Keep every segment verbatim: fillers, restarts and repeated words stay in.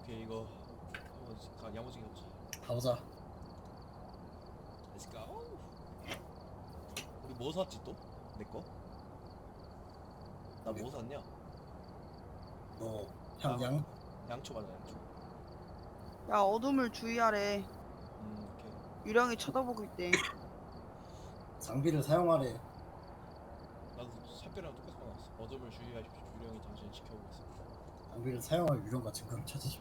오케이 이거 가 야무지게 없지. 가보자. Let's go. 우리 뭐 샀지 또? 내 거? 나 뭐 샀냐? 너 향양? 양초 맞아 양초. 야, 어둠을 주의하래. 음 오케이. 유령이 쳐다보고 있대. 장비를 사용하래. 나도 샛별이랑 똑같이 나왔어. 어둠을 주의하십시오. 유령이 당신을 지켜보고 있습니다. 장비를 사용할 유령과 증거를 찾으십시오.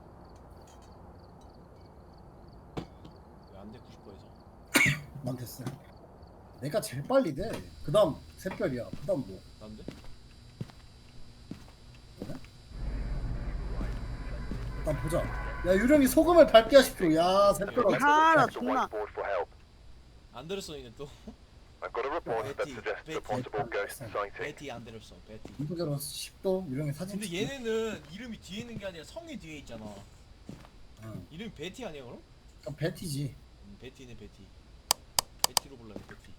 왜 안 돼? 구십 퍼센트에서. 난 됐어. 내가 제일 빨리 돼. 그 다음 샛별이야. 그 다음 뭐? 난데? 뭐냐? 일단 보자. 야 유령이 소금을 밟게 하십시오. 야 샛별아. 아, 나 존나. 안데르슨이네 또. I've got a report that Betty, suggests a Betty. possible ghost sighting. 베티 안데르슨. 베티. 인도계로 십 도 유령의 사진 근데 찍기. 얘네는 이름이 뒤에 있는 게 아니라 성이 뒤에 있잖아. 응. 이름이 베티 아니야 그럼? 그럼 베티지. 음, 베티네 베티. 베티로 불러야 돼 베티.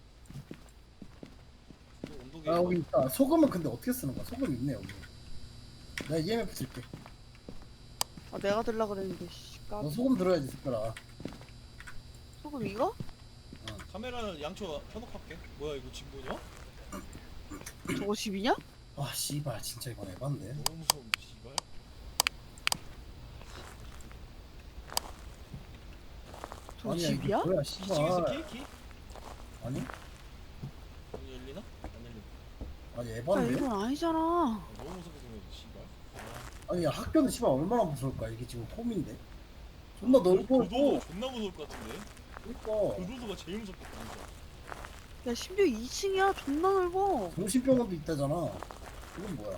또 온도계. 아 여기 있다. 소금은 근데 어떻게 쓰는 거야? 소금 있네 여기. 내가 이엠에프 줄게. 아, 내가 들라 그랬는데. 씨, 까. 너 소금 들어야지 샛별아. 소금 이거? 카메라는 양초 켜놓고 할게. 뭐야 이거 지금 뭐냐? 저거 집이냐? 아 씨발 진짜 이건 에반데. 너무 무서운데 씨발. 저거 아니야 이게 집이야? 뭐야 이층에서 씨발. 케이키? 아니? 문이 열리나? 안 열리네. 아니 야, 에반데. 이건 아니잖아. 아, 너무 무섭게 생겼지 씨발. 아, 아니 학교는 씨발 얼마나 무서울까 이게 지금 홈인데. 존나 넓고. 교도소 존나 무서울 것 같은데. 그러니까 교도소가 제일 무섭겠다 진짜. 야, 심지어 이 층이야. 존나 넓어. 정신병원도 있다잖아. 이건 뭐야?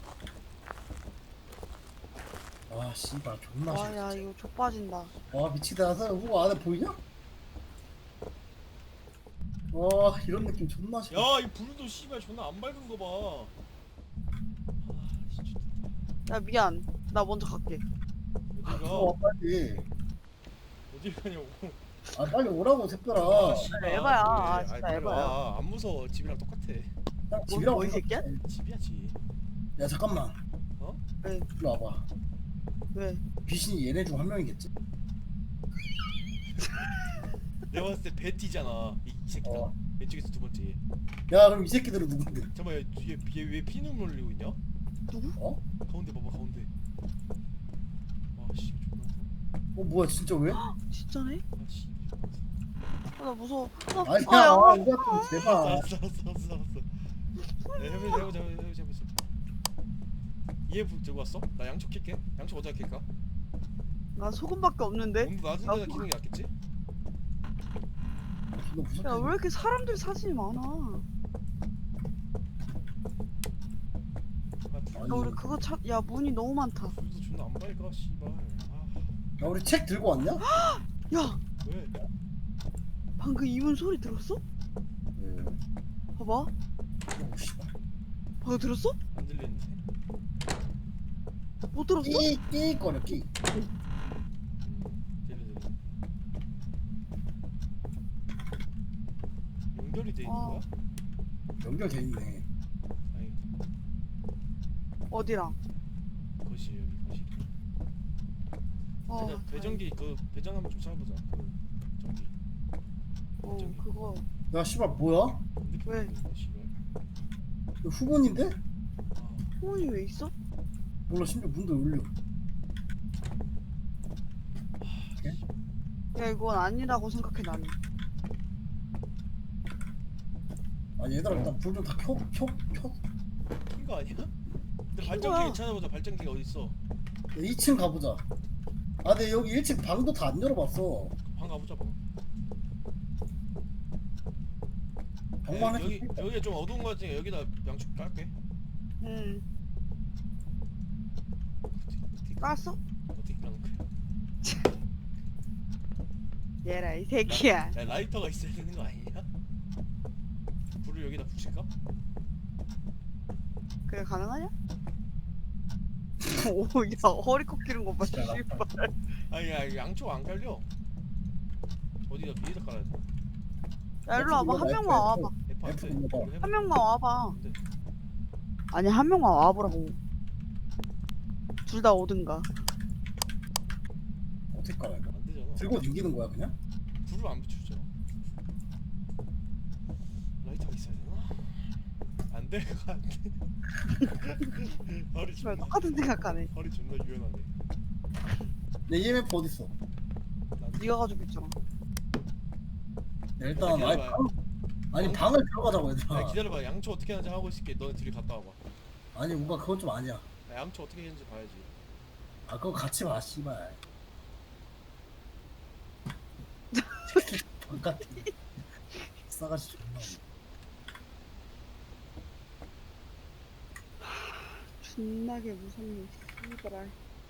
아 씨발 존나 와, 싫어. 야, 이거 족빠진다. 와 미치다. 후보 안에 보이냐? 와 이런 느낌 존나 싫어. 야 이 불도 씨발 존나 안 밝은 거 봐. 아 진짜. 야, 미안. 나 먼저 갈게. 어디가? 어 빨리. 어딜 가냐고. 아 빨리 오라고 샛별아. 아, 씨발. 에바야. 그래. 아, 아이, 진짜 빨리 에바야. 와. 안 무서워. 집이랑 똑같아. 딱 집이랑 뭐, 이 새끼야? 집이야 집. 야 잠깐만. 어? 왜? 일로 와봐. 왜? 귀신이 얘네 중 한 명이겠지? 내가 봤을 때 베티잖아. 이, 이 새끼다. 어. 왼쪽에서 두 번째. 야 그럼 이 새끼들은 누군데? 잠깐만 얘 뒤에 얘왜 피눈물 흘리고 있냐? 누구? 어? 가운데 봐봐 가운데. 아씨 존나 무서워. 어 뭐야 진짜 왜? 진짜네? 아씨. 아, 나 무서워. 아, 아니야 아, 야. 이거 좀 알았어 제발. 알았어 알았어 알았어 알았어. 네, 해보자 해보자 해보자 해보자. 얘 들고 왔어? 나 양초 킬게. 양초 어디다 킬까? 나 소금밖에 없는데? 온도 낮은 데다 키는 게 낫겠지? 너 무섭게. 야, 왜 이렇게 사람들 사진이 많아? 아 불, 아니. 야, 우리 그거 찾, 야, 문이 너무 많다. 불도 존나 안 밝아 씨발. 아 야 우리 책 들고 왔냐? 야, 왜? 방금 이문 소리 들었어? 네. 봐봐. 오 씨발. 방금 들었어? 안 들리는데? 못 들었어? 끼끼 거려 끼. 음, 들려 들려. 연결이 돼 있는 어. 거야? 연결돼 있네. 아니 어디랑? 거실 여기 거실. 어, 배전, 배전기 그 배전 한번 좀 찾아보자. 그 전기. 어, 저기. 그거. 야 씨발 뭐야? 핸드폰 왜? 있는데, 씨발. 이거 후문인데? 아, 소문이 왜 있어? 몰라 심지어 문도 열려. 야, 이건 아니라고 생각해, 나는. 아니 얘들아 일단 불 좀 다 켜 켜 켜. 킨 거 아니야? 근데 킨 발전기 거야. 괜찮아보자. 발전기가 어디 있어? 야, 이 층 가보자. 아 근데 여기 일 층 방도 다 안 열어봤어. 방 가보자 방. 방만 여기 해. 여기 좀 어두운 거 같으니까 여기다 양초 깔게. 응. 어떻게 깠어? 어떻게 까는 거야? 얘라, 이 새끼야. 야 라이터가 있어야 되는 거 아니냐? 불을 여기다 붙일까? 그래, 가능하냐? 오, 야, 허리 꺾이는 거 봐, 진짜 씨발. 아니 야 양초가 안 깔려. 어디다 위에다 깔아야 돼? 야, 일로 와봐. 한 명만 와봐. F 안 F 돼. 눌러봐. 이거 해봐. 한 명만 와봐. 안 돼. 아니, 한 명만 와보라고. 둘 다 오든가. 어떻게 깔아 이거? 안 되잖아. 들고 당기는 거야 그냥? 불을 안 붙였잖아. 라이터가 있어야 되나? 안 돼, 안 돼. 허리 씨발 존나 똑같은 생각하네. 허리 존나 유연하네. 내 이엠에프 어딨어? 난 네가 가지고 있잖아. 야, 일단 아니 기다려봐. 방, 아니 방을 들어가자고 야, 얘들아. 기다려봐. 양초 어떻게 하는지 하고 있을게. 너네 둘이 갔다 와봐. 아니 뭔가 그건 좀 아니야. 야, 양초 어떻게 했는지 봐야지. 아 그거 같이 봐 씨발. 바깥에 싸가지 존나 없네. 존나게 무섭네. 씨발아.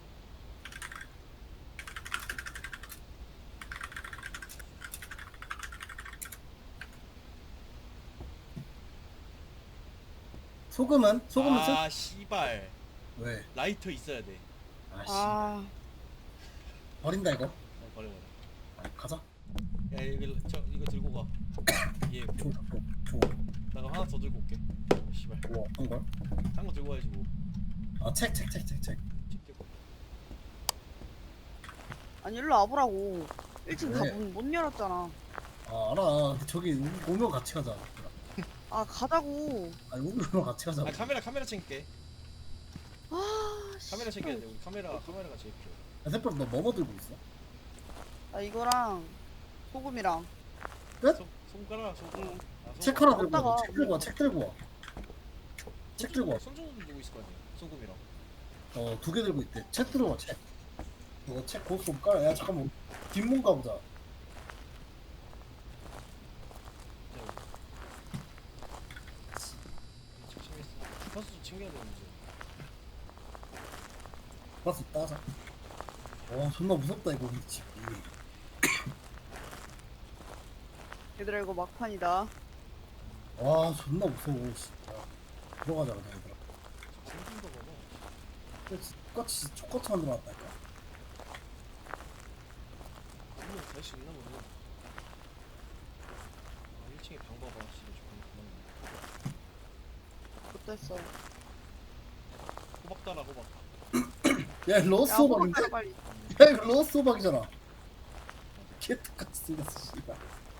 소금은? 소금은 쓸? 아, 씨발. 왜? 라이터 있어야 돼. 아씨 아, 버린다 이거. 어, 버려 버려. 아, 가자. 야, 이거 저 이거 들고 가. 예. 줘, 줘, 줘. 나가 하나 더 들고 올게. 씨발. 뭐 어떤 걸? 딴 거 들고 와야지 뭐. 아 책, 책, 책, 책, 책. 책 들고. 아니 일로 와보라고. 일 층 왜? 다못 못 열었잖아. 아 알아. 근데 저기 오- 오면 같이 가자. 아 가자고. 아니 오면 같이 가자. 아, 카메라 카메라 챙길게. 아, 카메라 씨발. 챙겨야 돼. 우리 카메라 카메라가 제일 필요해. 야 새빨 너 뭐뭐 들고 있어? 나 이거랑 소금이랑. 끝? 손 손가락 손가락. 응. 아, 손- 책 하나 들고 갔다가 와. 책 들고 와. 책 들고 와. 책 들고 와. 손 정도 들고 있을 거 아니야. 소금이랑. 어 두 개 들고 있대. 책 들고 와. 책. 이거 책 고스 좀 깔아. 야 잠깐만. 뒷문 가보자. 주파수 좀 챙겨야 되는데. 가스 따자. 와 존나 무섭다 이거 이 집이. 얘들아 이거 막판이다. 와 존나 무서워 진짜. 들어가자 그냥 얘들아. 생긴 거 봐봐. 똑같이 족같이 만들어놨다니까. 분명 갈수 있나 보네. 아, 일 층에 방 봐봐. 씨발 조금 못됐어. 호박 따라 호박. 야 이거 로스 야 호박인데? 호박따라 빨리. 야 이거 로스 호박이잖아. 개 똑같이 생겼어 씨발.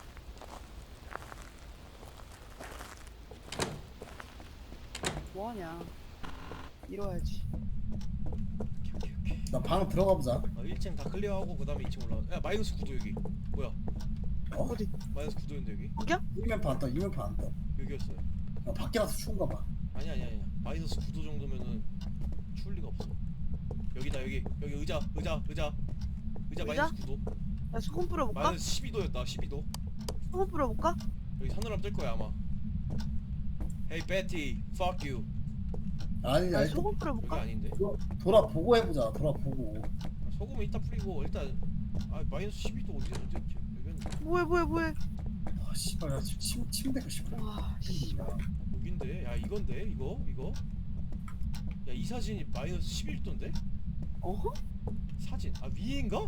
뭐하냐. 이뤄야지. 오케이 오케이 오케이. 나 방 들어가보자. 아, 일 층 다 클리어하고 그 다음에 이 층 올라가. 야, 마이너스 구 도 여기. 뭐야? 어? 어디? 마이너스 구 도인데 여기? 거기야? 이면파 안 떠. 이면파 안 떠. 여기였어요. 나 밖에 나서 추운가 봐. 아니 아니 아니. 마이너스 구 도 정도면은 추울 리가 없어. 여기다 여기. 여기 의자 의자 의자. 의자 의자? 마이너스 구 도. 야 소금 뿌려볼까? 마이너스 십이 도였다. 십이 도. 소금 뿌려볼까? 여기 서늘함 뜰 거야 아마. Hey Betty, fuck you. 아니 야 아니 소금 여기 뿌려볼까? 아닌데. 도- 돌아보고 해보자. 돌아보고. 소금은 이따 뿌리고 일단 아 마이너스 십이 도 어디 어디 있지? 여기는 뭐해 뭐해 뭐해. 아 씨발 야 지금 침 침대가 씨발. 와 씨발. 여긴데. 야 이건데 이거 이거. 야 이 사진이 마이너스 십일 도인데? 어허? 사진 아 위인가?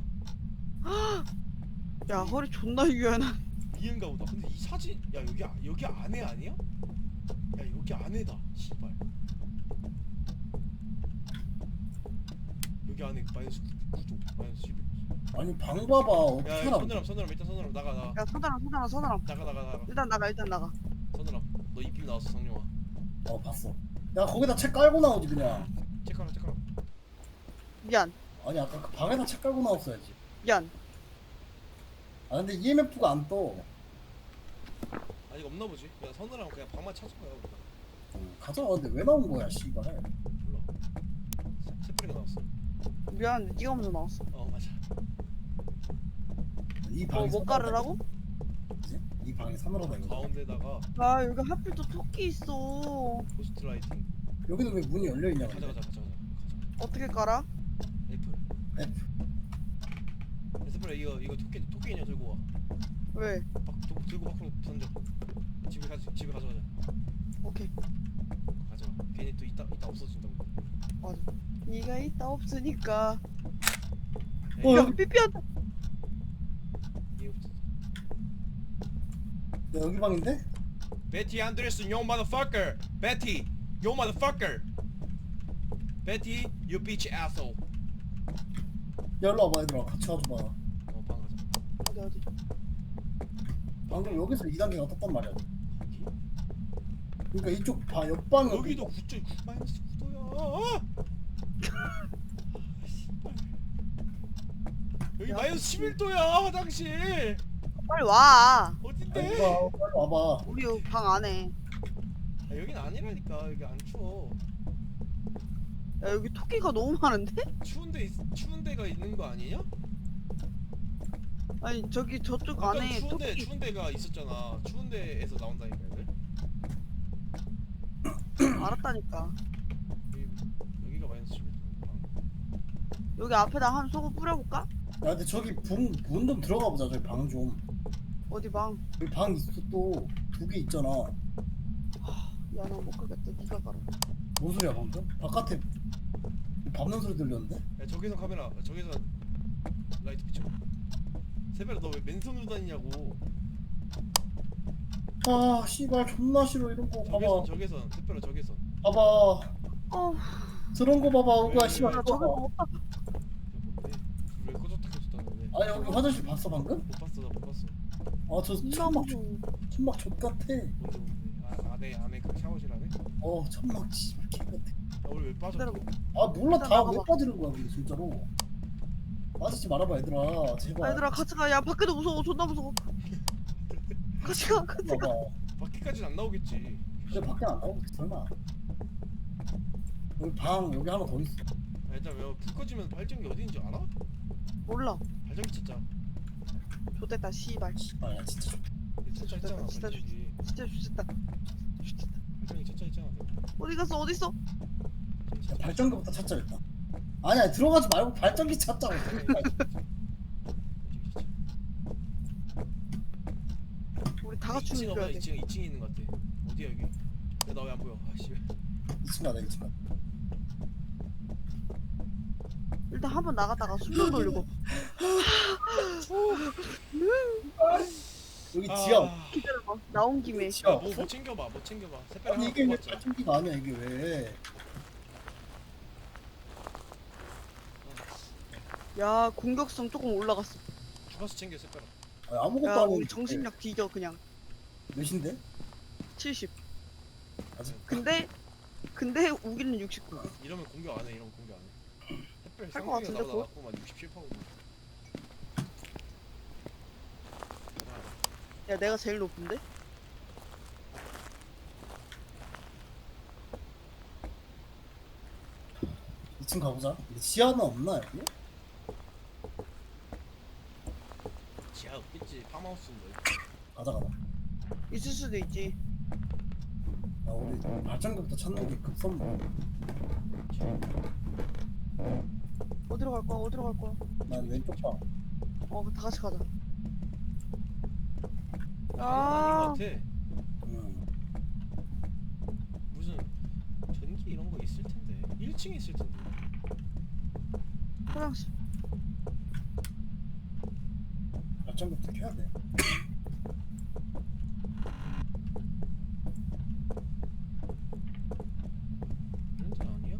야 허리 존나 유연한. 위인가 보다. 근데 이 사진 야 여기 아- 여기 안에 아니야? 야 여기 안에다. 씨발. 여기 안에 마이너스 구 도 마이너스 십일 도. 아니 방 봐봐. 어떻게 야 하나? 서늘함 서늘함 일단 서늘함 나가 나가 야 서늘함 서늘함 서늘함. 나가 나가 나가 일단 나가 일단 나가. 서늘함. 너 입김 나왔어 성룡아. 어 봤어. 야 거기다 책 깔고 나오지 그냥. 체크하라 체크하라. 미안 아니 아까 그 방에다 책 깔고 나왔어야지. 미안. 아 근데 이엠에프가 안 떠. 아직 없나 보지. 야 서늘함 그냥 방만 찾을 거야 우리가. 어, 가자. 근데 왜 나온 거야 씨발. 몰라. 새뿌리가 나왔어. 미안한데 네가 먼저 나왔어. 어 맞아. 이 뭐 방이 못 가르라고? 그치? 이 방이 서늘하다 이거. 가운데다가 아 여기 하필 또 토끼 있어. 고스트 라이팅. 여기는 왜 문이 열려 있냐? 가자 가자 가자 가자. 어떻게 깔아? F. F. 새뿌리 이거 이거 토끼 토끼 인형 들고 와. 왜? 밖 도, 들고 밖으로 던져. 집에 가 집에 가져가자. 오케이 가져가. 괜히 또 이따 이따 없어진다고. 맞아. 네가 있다 없으니까. 어, 야 여기- 삐삐한다. 얘 없어. 야, 여기 방인데? Betty Anderson, yo motherfucker. Betty, yo motherfucker. Betty, you bitch asshole. 일로 와봐 얘들아 같이 가줘봐. 어방 가자. 어디 어디. 방금 여기서 이 단계가 떴단 말이야. 여기? 그러니까 이쪽 봐 옆방은 여기도 구 점 구 마이너스 구 도야. 여기 야, 마이너스 십일 도야 화장실. 빨리 와. 어딘데? 얘들아 빨리 와봐. 우리 여기 방 안에. 아, 여긴 아니라니까. 여기 안 추워. 야 여기 토끼가 너무 많은데? 추운데 있, 추운 데가 있는 거 아니냐? 아니 저기 저쪽 아까 안에 추운 데 토끼. 추운 데가 있었잖아. 추운 데에서 나온다니까 애들. 알았다니까. 여기, 여기가 마이너스 십일 도. 여기 앞에다 한 소금 뿌려볼까? 야 근데 저기 문 좀 들어가 보자. 저기 방 좀. 어디 방? 여기 방 있어 또 두 개 있잖아. 야 나 못 가겠다. 네가 가라. 뭔 소리야 방금? 바깥에 밟는 소리 들렸는데? 야 저기서 카메라. 저기서 라이트 비춰. 세별아 너 왜 맨손으로 다니냐고. 아 씨발 존나 싫어 이런 거 저기선 봐봐. 저기선 세별아 저기선. 봐봐. 어. 저런 거 봐봐 오구야 왜, 씨발. 야 저거 저기 봐. 없다. 야 뭔데? 왜 꺼졌다 켜졌다는데? 아 여기 화장실 봤어 방금? 못 봤어 나 못 봤어. 아저 존나 천막 무서워. 천막 족 같아. 뭔데 뭔데? 아 안에 안에 그 샤워실 안에? 야 어 천막 씨발 개 같아. 우리 왜 빠졌어? 기다려봐. 아 몰라 일단 다 왜 나가봐. 빠지는 거야 근데 진짜로. 빠지지 말아봐 얘들아 제발. 야, 얘들아 같이 가. 야 밖에도 무서워. 존나 무서워. 같이 가. 같이 가. 봐봐. 밖에까지는 안 나오겠지. 근데 밖에 안 나오겠지 설마. 여기 방 여기 하나 더 있어. 아, 일단 왜불 꺼지면 발전기 어디 있는지 알아? 몰라. 발전기 찾자. 좋됐다. 씨발. 아야 진짜 좋다. 찾자 있잖아 진짜 발전기. 진짜 좋됐다. 좋됐다. 발전기 찾자 있잖아. 어디 갔어? 어디 있어? 야, 발전기부터 찾자겠다. 아니야 들어가지 말고 발전기 찾자고. 우리 다 같이 이 층 움직여야 돼. 이 층 이 층에 있는 것 같아. 어디야 여기? 야 나 왜 안 보여? 아씨. 이 층 가자 이 층 가자. 일단 한 번 나갔다가 숨좀 돌리고. 여기 지하. 기다려봐. 나온 김에. 지하 야뭐 없어? 뭐 챙겨봐 뭐 챙겨봐. 새빨 아니 하나 이게 왜 뽑았자. 발전기가 아니야 이게 왜? 야 공격성 조금 올라갔어. 주가수 챙겨 새빨아. 아니, 아무것도 야 안 우리 했는데. 정신력 뒤져 그냥. 몇인데? 칠십. 아직 근데 근데 우기는 육십구. 이러면 공격 안 해. 이러면 공격 안 해. 새빨 할것 상대가 같은데, 나보다 그거? 낫구만 육십칠 퍼센트. 야 내가 제일 높은데? 이 층 가보자. 근데 지하는 없나 여기? 지하 없겠지. 팜하우스인데. 가자 가자. 있을 수도 있지. 야 우리 발전기부터 찾는 게 급선무. 어디로 갈 거야? 어디로 갈 거야? 난 왼쪽 방. 어, 다 같이 가자. 아닌 아, 것 같아. 음. 무슨 전기 이런 거 있을 텐데. 일 층에 있을 텐데. 화장실. 발전기부터 켜야 돼. 이런 데 아니야.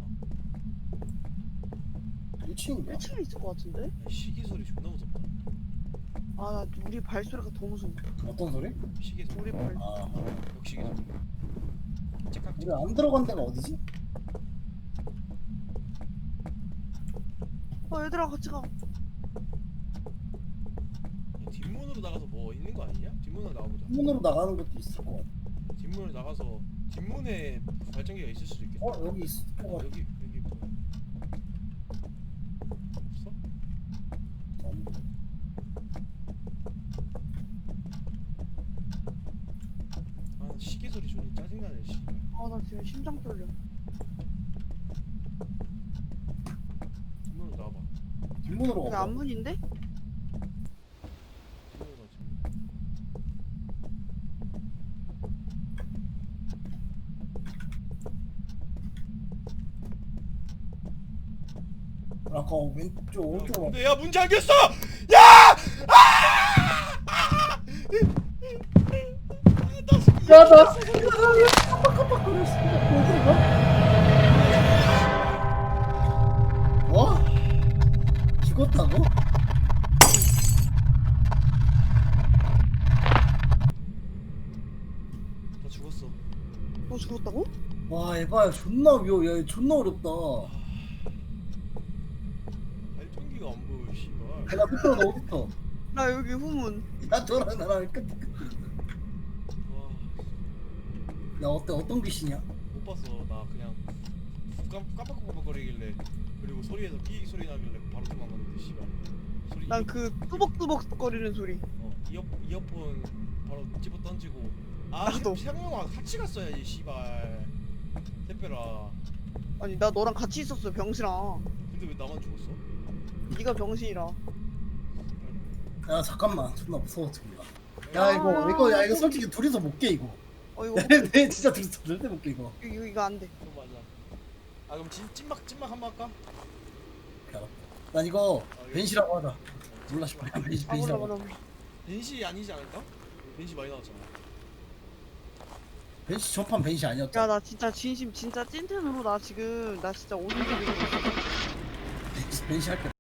일 층인가? 일 층에 있을 것 같은데? 야, 시계 소리 존나 무섭다. 아, 나 우리 발소리가 더 무서워. 어떤 소리? 시계 소리. 우리 발. 아 역시계 소리. 째깍 우리 안 들어간 데가 어디지? 어, 얘들아 같이 가. 야, 뒷문으로 나가서 뭐 있는 거 아니냐? 뒷문으로 나가보자. 문으로 나가는 것도 있을 것 같아. 뒷문으로 나가서 뒷문에 발전기가 있을 수도 있겠다. 어 여기 있을 것 같아. 여기 여기 뭐야? 없어? 아 시계 소리 존나 짜증나네. 씨. 아, 나 지금 심장 떨려. 뒷문으로 나와봐. 뒷문으로 여기 가봐. 안문인데? 뒷문으로 나와. 뒷문. 아까 왼쪽 오른쪽으로 근데 야 문 잠겼어! 야! 야나 뭐? 죽었다고? 나 죽었어. 너 죽었다고? 와 에바야 존나 위험해. 야, 존나 어렵다. 발전기가 안 보여 씨발. 내가 밑으로 너 어딨어? 나 여기 후문. 야 너랑 나랑 끝. 와, 야 어때 어떤 귀신이야? 못 봤어. 나 그냥 깜, 깜빡깜빡거리길래 그리고 소리에서 삐 소리 나길래 바로 도망갔는데 씨발. 소리 난 이어- 그 뚜벅뚜벅 거리는 소리. 어, 이어 이어폰 바로 집어 던지고 아 나도. 세명아 같이 갔어야지 씨발. 택배라. 아니 나 너랑 같이 있었어 병신아. 근데 왜 나만 죽었어? 네가 병신이라. 야 잠깐만 존나 무서워 지금. 야 이거 이거 야 이거 솔직히 둘이서 못 깨 이거. 어 이거 내, 내 진짜 둘이서 절대 못 깨 이거. 이거, 이거 안 돼. 그거 맞아. 아 그럼 찐, 찐막 찐막 한번 할까? 야, 난 이거 벤시라고 하자. 몰라 씨발 벤시 아 몰라 벤시라고. 몰라 몰라. 벤시 아니지 않을까? 벤시 많이 나왔잖아. 벤시 전판 벤시 아니었잖아. 야 나 진짜 진심 진짜 찐텐으로 나 지금 나 진짜 오줌 싸고 있어. 벤시, 벤시 할게.